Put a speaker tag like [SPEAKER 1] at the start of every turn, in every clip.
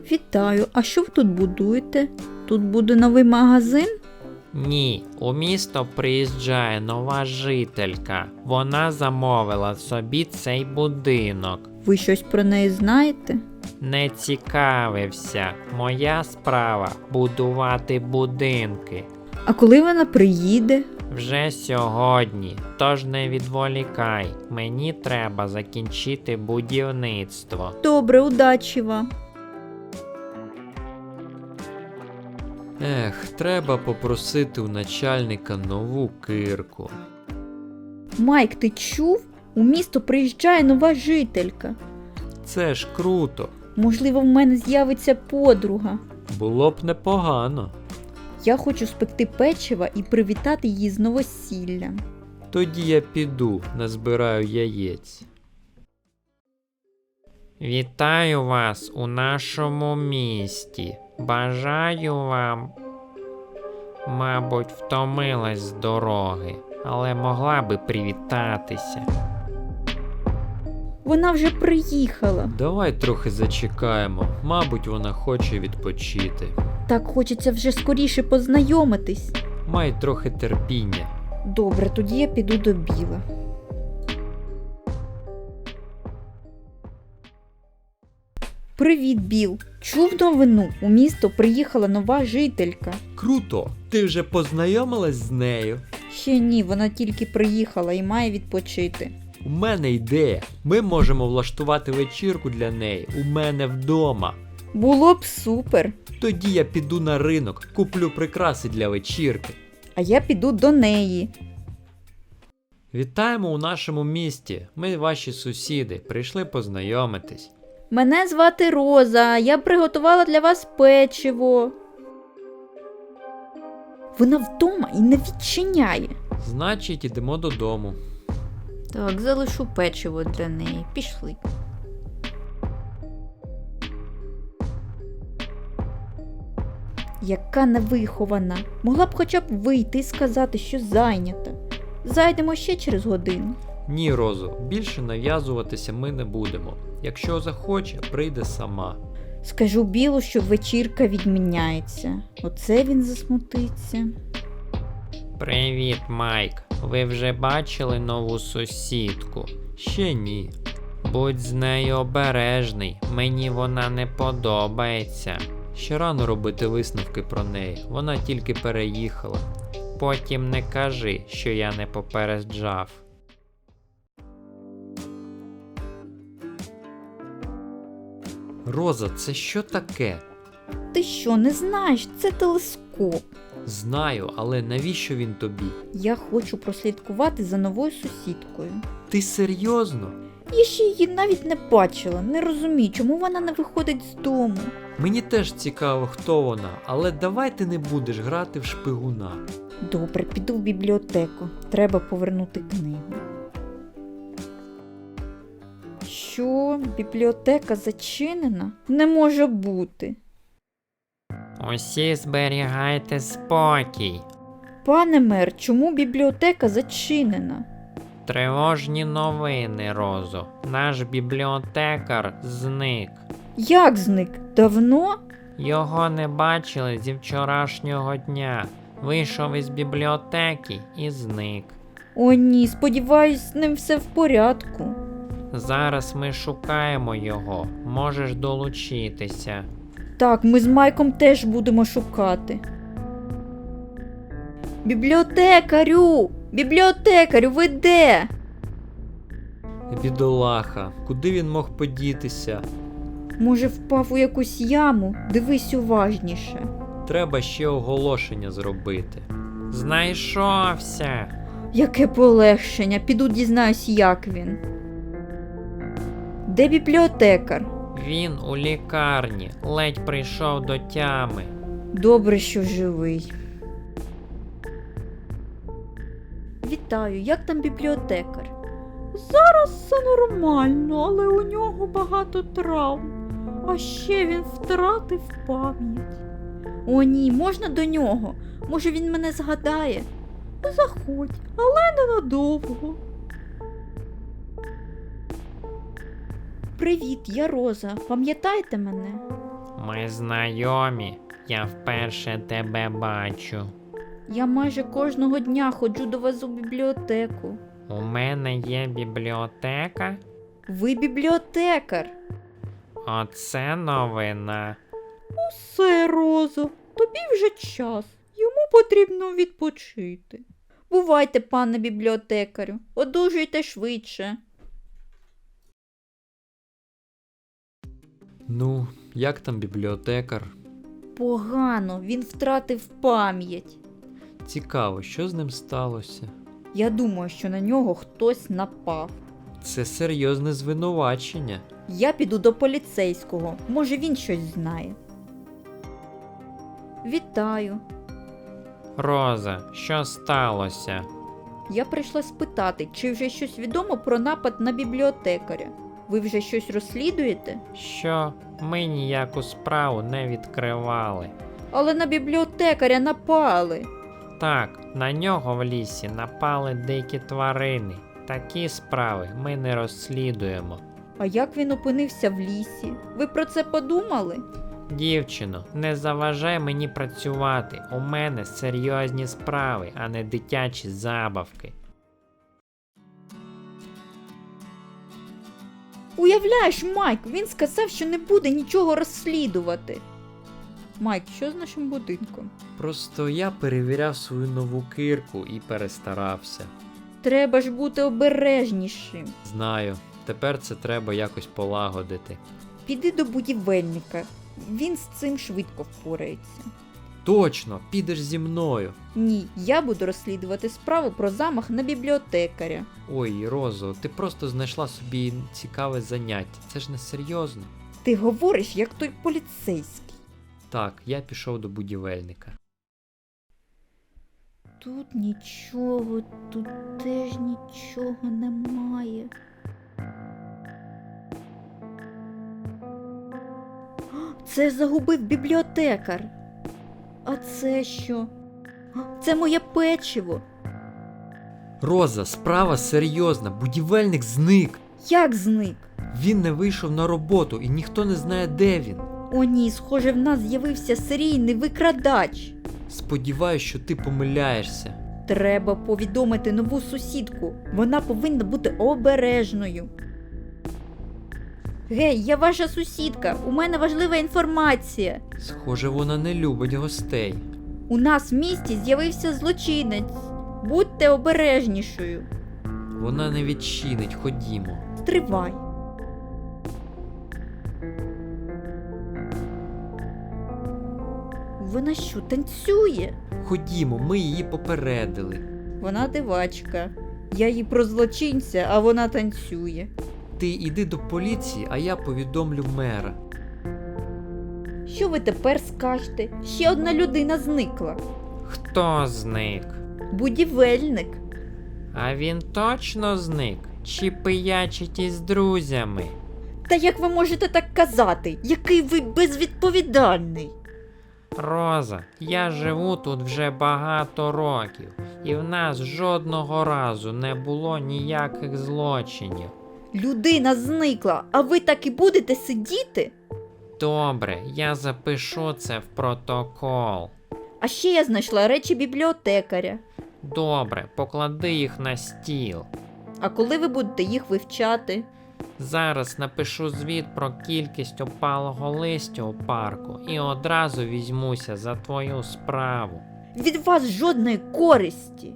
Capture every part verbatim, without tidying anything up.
[SPEAKER 1] Вітаю, а що ви тут будуєте? Тут буде новий магазин?
[SPEAKER 2] Ні, у місто приїжджає нова жителька. Вона замовила собі цей будинок.
[SPEAKER 1] Ви щось про неї знаєте?
[SPEAKER 2] Не цікавився. Моя справа – будувати будинки.
[SPEAKER 1] А коли вона приїде?
[SPEAKER 2] Вже сьогодні, тож не відволікай. Мені треба закінчити будівництво.
[SPEAKER 1] Добре, удачі вам.
[SPEAKER 3] Ех, треба попросити у начальника нову кирку.
[SPEAKER 1] Майк, ти чув? У місто приїжджає нова жителька.
[SPEAKER 3] Це ж круто.
[SPEAKER 1] Можливо, в мене з'явиться подруга.
[SPEAKER 3] Було б непогано.
[SPEAKER 1] Я хочу спекти печива і привітати її з новосіллям.
[SPEAKER 3] Тоді я піду, назбираю яєць.
[SPEAKER 2] Вітаю вас у нашому місті. Бажаю вам... Мабуть, втомилась з дороги, але могла би привітатися.
[SPEAKER 1] Вона вже приїхала.
[SPEAKER 3] Давай трохи зачекаємо. Мабуть, вона хоче відпочити.
[SPEAKER 1] Так хочеться вже скоріше познайомитись.
[SPEAKER 3] Май трохи терпіння.
[SPEAKER 1] Добре, тоді я піду до Біла. Привіт, Біл. Чув новину? У місто приїхала нова жителька.
[SPEAKER 3] Круто! Ти вже познайомилась з нею?
[SPEAKER 1] Ще ні, вона тільки приїхала і має відпочити.
[SPEAKER 3] У мене ідея. Ми можемо влаштувати вечірку для неї у мене вдома.
[SPEAKER 1] Було б супер.
[SPEAKER 3] Тоді я піду на ринок, куплю прикраси для вечірки.
[SPEAKER 1] А я піду до неї.
[SPEAKER 3] Вітаємо у нашому місті. Ми ваші сусіди, прийшли познайомитись.
[SPEAKER 1] Мене звати Роза, я приготувала для вас печиво. Вона вдома і не відчиняє.
[SPEAKER 3] Значить, ідемо додому.
[SPEAKER 1] Так, залишу печиво для неї. Пішли. Яка невихована. Могла б хоча б вийти і сказати, що зайнята. Зайдемо ще через годину.
[SPEAKER 3] Ні, Розо, більше нав'язуватися ми не будемо. Якщо захоче, прийде сама.
[SPEAKER 1] Скажу Білу, що вечірка відміняється. Оце він засмутиться.
[SPEAKER 2] Привіт, Майк. Ви вже бачили нову сусідку?
[SPEAKER 3] Ще ні.
[SPEAKER 2] Будь з нею обережний, мені вона не подобається.
[SPEAKER 3] Ще рано робити висновки про неї. Вона тільки переїхала.
[SPEAKER 2] Потім не кажи, що я не попереджав.
[SPEAKER 3] Роза, це що таке?
[SPEAKER 1] Ти що, не знаєш? Це телескоп.
[SPEAKER 3] Знаю, але навіщо він тобі?
[SPEAKER 1] Я хочу прослідкувати за новою сусідкою.
[SPEAKER 3] Ти серйозно?
[SPEAKER 1] Я ще її навіть не бачила, не розумію, чому вона не виходить з дому.
[SPEAKER 3] Мені теж цікаво, хто вона, але давай ти не будеш грати в шпигуна.
[SPEAKER 1] Добре, піду в бібліотеку. Треба повернути книгу. Що? Бібліотека зачинена? Не може бути.
[SPEAKER 2] Усі зберігайте спокій.
[SPEAKER 1] Пане мер, чому бібліотека зачинена?
[SPEAKER 2] Тривожні новини, Розо. Наш бібліотекар зник.
[SPEAKER 1] Як зник? Давно?
[SPEAKER 2] Його не бачили зі вчорашнього дня. Вийшов із бібліотеки і зник.
[SPEAKER 1] О ні, сподіваюсь, з ним все в порядку.
[SPEAKER 2] Зараз ми шукаємо його. Можеш долучитися.
[SPEAKER 1] Так, ми з Майком теж будемо шукати. Бібліотекарю! Бібліотекарю, ви де?
[SPEAKER 3] Бідолаха, куди він мог подітися?
[SPEAKER 1] Може, впав у якусь яму? Дивись уважніше.
[SPEAKER 3] Треба ще оголошення зробити.
[SPEAKER 2] Знайшовся.
[SPEAKER 1] Яке полегшення, піду дізнаюсь, як він. Де бібліотекар?
[SPEAKER 2] Він у лікарні. Ледь прийшов до тями.
[SPEAKER 1] Добре, що живий. Вітаю, як там бібліотекар? Зараз все нормально, але у нього багато травм. А ще він втратив пам'ять. О ні, можна до нього? Може він мене згадає? Заходь, але ненадовго. Привіт, я Роза. Пам'ятаєте мене?
[SPEAKER 2] Ми знайомі. Я вперше тебе бачу.
[SPEAKER 1] Я майже кожного дня ходжу до вас у бібліотеку.
[SPEAKER 2] У мене є бібліотека?
[SPEAKER 1] Ви бібліотекар.
[SPEAKER 2] Оце новина.
[SPEAKER 1] Все, Розо, тобі вже час. Йому потрібно відпочити. Бувайте, пане бібліотекарю, одужуйте швидше.
[SPEAKER 3] Ну, як там бібліотекар?
[SPEAKER 1] Погано, він втратив пам'ять.
[SPEAKER 3] Цікаво, що з ним сталося?
[SPEAKER 1] Я думаю, що на нього хтось напав.
[SPEAKER 3] Це серйозне звинувачення.
[SPEAKER 1] Я піду до поліцейського, може він щось знає. Вітаю.
[SPEAKER 2] Роза, що сталося?
[SPEAKER 1] Я прийшла спитати, чи вже щось відомо про напад на бібліотекаря. Ви вже щось розслідуєте?
[SPEAKER 2] Що? Ми ніяку справу не відкривали.
[SPEAKER 1] Але на бібліотекаря напали.
[SPEAKER 2] Так, на нього в лісі напали дикі тварини. Такі справи ми не розслідуємо.
[SPEAKER 1] А як він опинився в лісі? Ви про це подумали?
[SPEAKER 2] Дівчино, не заважай мені працювати. У мене серйозні справи, а не дитячі забавки.
[SPEAKER 1] Уявляєш, Майк, він сказав, що не буде нічого розслідувати. Майк, що з нашим будинком?
[SPEAKER 3] Просто я перевіряв свою нову кирку і перестарався.
[SPEAKER 1] Треба ж бути обережнішим.
[SPEAKER 3] Знаю, тепер це треба якось полагодити.
[SPEAKER 1] Піди до будівельника. Він з цим швидко впорається.
[SPEAKER 3] Точно, підеш зі мною.
[SPEAKER 1] Ні, я буду розслідувати справу про замах на бібліотекаря.
[SPEAKER 3] Ой, Розо, ти просто знайшла собі цікаве заняття. Це ж не серйозно.
[SPEAKER 1] Ти говориш, як той поліцейський.
[SPEAKER 3] Так, я пішов до будівельника.
[SPEAKER 1] Тут нічого, тут теж нічого немає. Це загубив бібліотекар. А це що? Це моє печиво.
[SPEAKER 3] Роза, справа серйозна, будівельник зник.
[SPEAKER 1] Як зник?
[SPEAKER 3] Він не вийшов на роботу і ніхто не знає, де він.
[SPEAKER 1] О ні, схоже, в нас з'явився серійний викрадач.
[SPEAKER 3] Сподіваюсь, що ти помиляєшся.
[SPEAKER 1] Треба повідомити нову сусідку. Вона повинна бути обережною. Гей, я ваша сусідка. У мене важлива інформація.
[SPEAKER 3] Схоже, вона не любить гостей.
[SPEAKER 1] У нас в місті з'явився злочинець. Будьте обережнішою.
[SPEAKER 3] Вона не відчинить, ходімо.
[SPEAKER 1] Стривай. Вона що, танцює?
[SPEAKER 3] Ходімо, ми її попередили.
[SPEAKER 1] Вона дивачка. Я їй про злочинця, а вона танцює.
[SPEAKER 3] Ти йди до поліції, а я повідомлю мера.
[SPEAKER 1] Що ви тепер скажете? Ще одна людина зникла.
[SPEAKER 2] Хто зник?
[SPEAKER 1] Будівельник.
[SPEAKER 2] А він точно зник? Чи пиячить із друзями?
[SPEAKER 1] Та як ви можете так казати? Який ви безвідповідальний?
[SPEAKER 2] Роза, я живу тут вже багато років, і в нас жодного разу не було ніяких злочинів.
[SPEAKER 1] Людина зникла, а ви так і будете сидіти?
[SPEAKER 2] Добре, я запишу це в протокол.
[SPEAKER 1] А ще я знайшла речі бібліотекаря.
[SPEAKER 2] Добре, поклади їх на стіл.
[SPEAKER 1] А коли ви будете їх вивчати?
[SPEAKER 2] Зараз напишу звіт про кількість опалого листя у парку і одразу візьмуся за твою справу.
[SPEAKER 1] Від вас жодної користі.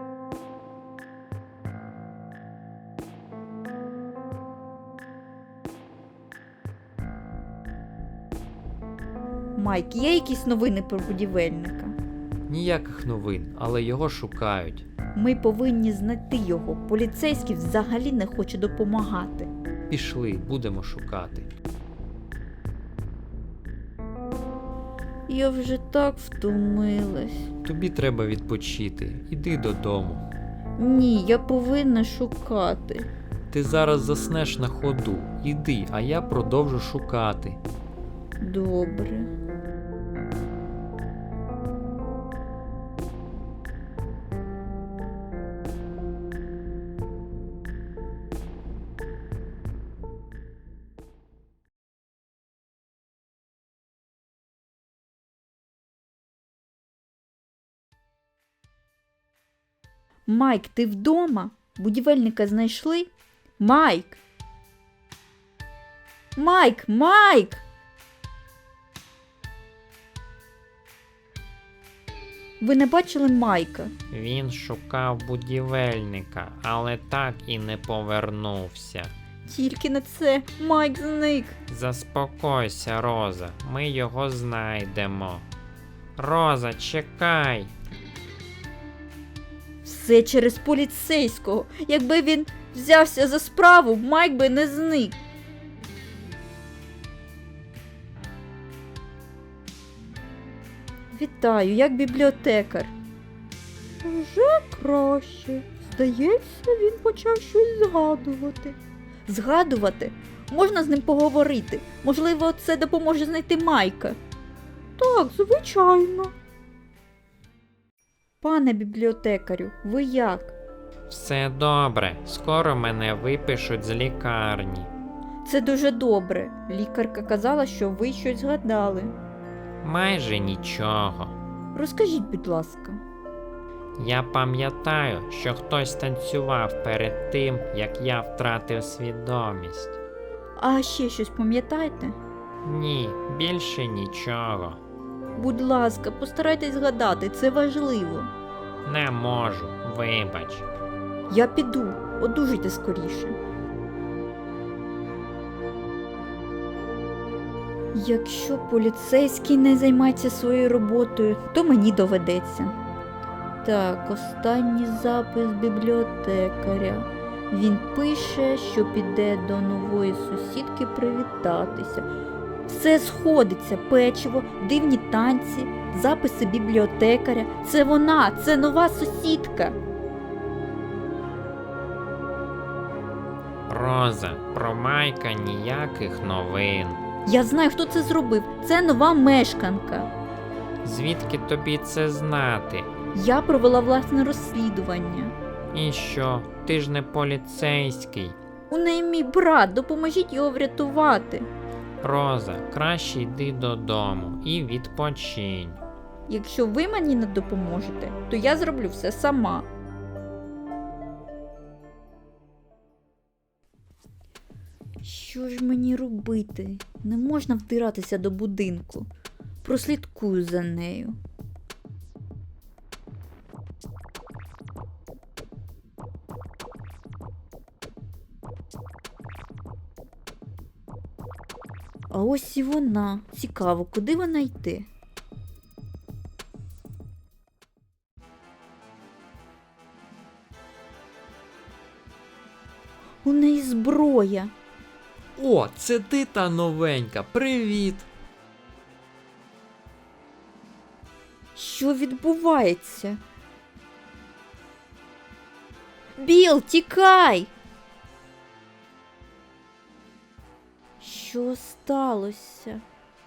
[SPEAKER 1] Майк, є якісь новини про будівельника?
[SPEAKER 3] Ніяких новин, але його шукають.
[SPEAKER 1] Ми повинні знайти його. Поліцейський взагалі не хоче допомагати.
[SPEAKER 3] Пішли, будемо шукати.
[SPEAKER 1] Я вже так втомилась.
[SPEAKER 3] Тобі треба відпочити. Іди додому.
[SPEAKER 1] Ні, я повинна шукати.
[SPEAKER 3] Ти зараз заснеш на ходу. Іди, а я продовжу шукати.
[SPEAKER 1] Добре. Майк, ти вдома? Будівельника знайшли? Майк! Майк! Майк! Ви не бачили Майка?
[SPEAKER 2] Він шукав будівельника, але так і не повернувся.
[SPEAKER 1] Тільки не це. Майк зник.
[SPEAKER 2] Заспокойся, Роза, ми його знайдемо. Роза, чекай!
[SPEAKER 1] Все через поліцейського. Якби він взявся за справу, Майк би не зник. Вітаю, як бібліотекар. Вже краще. Здається, він почав щось згадувати. Згадувати? Можна з ним поговорити. Можливо, це допоможе знайти Майка. Так, звичайно. Пане бібліотекарю, ви як?
[SPEAKER 2] Все добре, скоро мене випишуть з лікарні.
[SPEAKER 1] Це дуже добре. Лікарка казала, що ви щось згадали.
[SPEAKER 2] Майже нічого.
[SPEAKER 1] Розкажіть, будь ласка.
[SPEAKER 2] Я пам'ятаю, що хтось танцював перед тим, як я втратив свідомість.
[SPEAKER 1] А ще щось пам'ятаєте?
[SPEAKER 2] Ні, більше нічого.
[SPEAKER 1] Будь ласка, постарайтесь згадати, це важливо.
[SPEAKER 2] Не можу, вибач.
[SPEAKER 1] Я піду, одужуйте скоріше. Якщо поліцейський не займається своєю роботою, то мені доведеться. Так, останній запис бібліотекаря. Він пише, що піде до нової сусідки привітатися. Все сходиться, печиво, дивні танці, записи бібліотекаря. Це вона, це нова сусідка.
[SPEAKER 2] Роза, про Майка ніяких новин.
[SPEAKER 1] Я знаю, хто це зробив. Це нова мешканка.
[SPEAKER 2] Звідки тобі це знати?
[SPEAKER 1] Я провела власне розслідування.
[SPEAKER 2] І що, ти ж не поліцейський?
[SPEAKER 1] У неї мій брат, допоможіть його врятувати.
[SPEAKER 2] Роза, краще йди додому і відпочинь.
[SPEAKER 1] Якщо ви мені не допоможете, то я зроблю все сама. Що ж мені робити? Не можна вдиратися до будинку. Прослідкую за нею. А ось і вона. Цікаво, куди вона йде? У неї зброя.
[SPEAKER 3] О, це ти та новенька, привіт!
[SPEAKER 1] Що відбувається? Біл, тікай! Що сталося?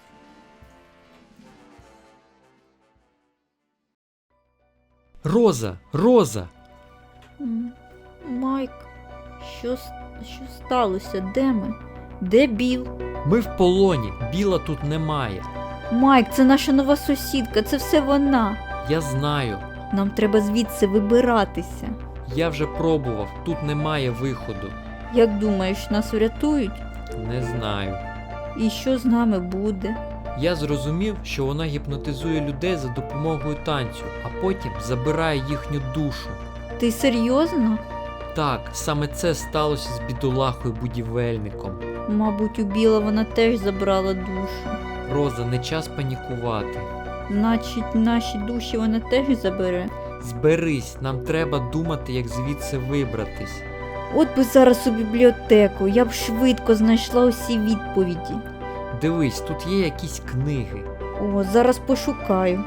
[SPEAKER 3] Роза, Роза!
[SPEAKER 1] М, Майк, що, с- що сталося? Де ми? Де Біл?
[SPEAKER 3] Ми в полоні, Біла тут немає.
[SPEAKER 1] Майк, це наша нова сусідка, це все вона.
[SPEAKER 3] Я знаю,
[SPEAKER 1] Нам треба звідси вибиратися.
[SPEAKER 3] я вже пробував, тут немає виходу.
[SPEAKER 1] Як думаєш, нас врятують?
[SPEAKER 3] Не знаю.
[SPEAKER 1] І що з нами буде?
[SPEAKER 3] Я зрозумів, що вона гіпнотизує людей за допомогою танцю, а потім забирає їхню душу.
[SPEAKER 1] Ти серйозно?
[SPEAKER 3] Так, саме це сталося з бідолахою будівельником.
[SPEAKER 1] Мабуть, у Біла вона теж забрала душу.
[SPEAKER 3] Роза, не час панікувати.
[SPEAKER 1] Значить, наші душі вона теж забере.
[SPEAKER 3] Зберись, нам треба думати, як звідси вибратись.
[SPEAKER 1] От би зараз у бібліотеку, я б швидко знайшла усі відповіді.
[SPEAKER 3] Дивись, тут є якісь книги.
[SPEAKER 1] О, зараз пошукаю.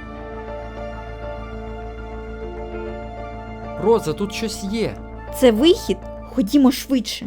[SPEAKER 3] Роза, тут щось є.
[SPEAKER 1] Це вихід? Ходімо швидше.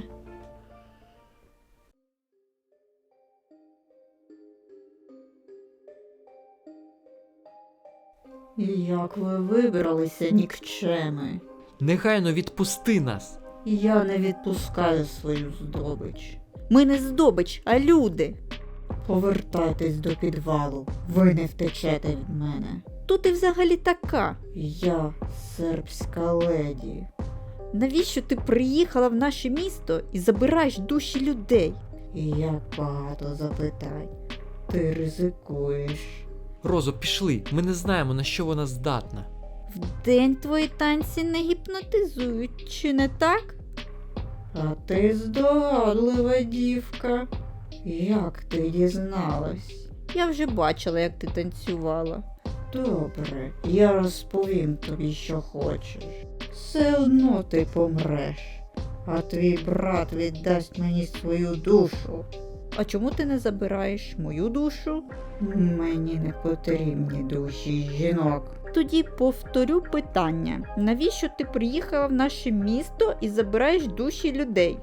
[SPEAKER 1] Як ви вибралися, нікчеми?
[SPEAKER 3] Негайно відпусти нас.
[SPEAKER 1] Я не відпускаю свою здобич. Ми не здобич, а люди. Повертайтесь до підвалу. Ви не втечете від мене. Хто ти взагалі така?
[SPEAKER 4] Я сербська леді.
[SPEAKER 1] Навіщо ти приїхала в наше місто і забираєш душі людей?
[SPEAKER 4] І як багато запитань. Ти ризикуєш.
[SPEAKER 3] Розо, пішли, ми не знаємо, на що вона здатна.
[SPEAKER 1] Вдень твої танці не гіпнотизують, чи не так?
[SPEAKER 4] А ти здогадлива дівка. Як ти дізналась?
[SPEAKER 1] Я вже бачила, як ти танцювала.
[SPEAKER 4] Добре, я розповім тобі, що хочеш. Все одно ти помреш, а твій брат віддасть мені свою душу.
[SPEAKER 1] А чому ти не забираєш мою душу?
[SPEAKER 4] Мені не потрібні душі жінок.
[SPEAKER 1] Тоді повторю питання. Навіщо ти приїхала в наше місто і забираєш душі людей?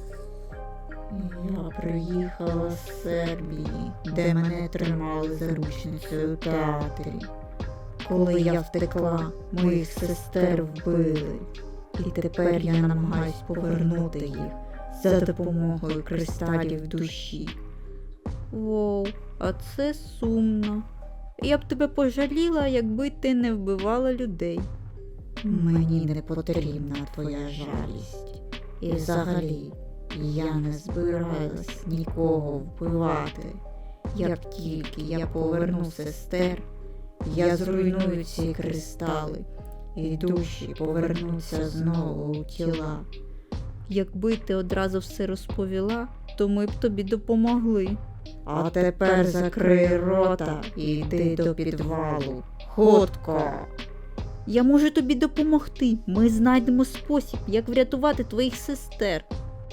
[SPEAKER 4] Я приїхала з Сербії, де мене тримали заручницею у театрі. Коли я втекла, моїх сестер вбили. І тепер я намагаюсь повернути їх за допомогою кристалів душі.
[SPEAKER 1] Воу, а це сумно. Я б тебе пожаліла, якби ти не вбивала людей.
[SPEAKER 4] Мені не потрібна твоя жалість. І взагалі, я не збиралась нікого вбивати. Як тільки я поверну сестер, я зруйную ці кристали, і душі повернуться знову у тіла.
[SPEAKER 1] Якби ти одразу все розповіла, то ми б тобі допомогли.
[SPEAKER 4] А тепер закрий рота і йди до підвалу. Хутко!
[SPEAKER 1] Я можу тобі допомогти. Ми знайдемо спосіб, як врятувати твоїх сестер.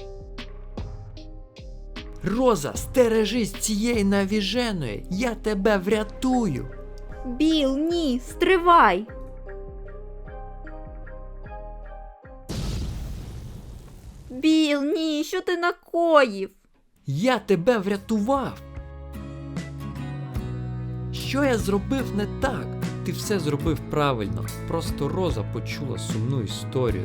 [SPEAKER 3] Роза, стережись цієї навіженої, я тебе врятую.
[SPEAKER 1] Біл, ні, стривай! Біл, ні, що ти накоїв?
[SPEAKER 3] Я тебе врятував. Що я зробив не так? Ти все зробив правильно. Просто Роза почула сумну історію.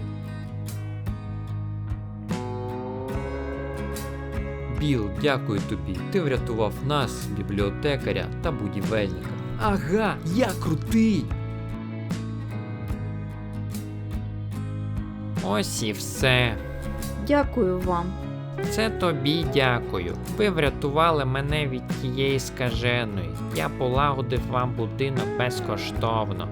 [SPEAKER 3] Біл, дякую тобі. Ти врятував нас, бібліотекаря та будівельника. Ага, я крутий.
[SPEAKER 2] Ось і все.
[SPEAKER 1] Дякую вам.
[SPEAKER 2] Це тобі дякую. Ви врятували мене від тієї скаженої. Я полагодив вам будинок безкоштовно.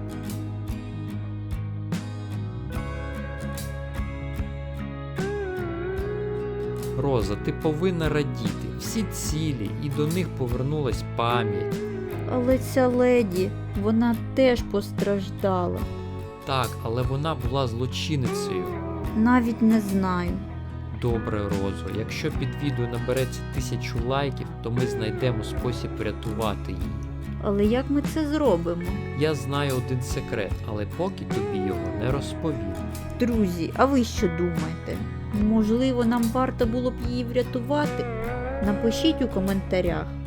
[SPEAKER 3] Роза, ти повинна радіти. Всі цілі, і до них повернулась пам'ять.
[SPEAKER 1] Але ця леді, вона теж постраждала.
[SPEAKER 3] Так, але вона була злочинницею.
[SPEAKER 1] Навіть не знаю.
[SPEAKER 3] Добре, Розо, якщо під відео набереться тисячу лайків, то ми знайдемо спосіб врятувати її.
[SPEAKER 1] Але як ми це зробимо?
[SPEAKER 3] Я знаю один секрет, але поки тобі його не розповім.
[SPEAKER 1] Друзі, а ви що думаєте? Можливо, нам варто було б її врятувати? Напишіть у коментарях.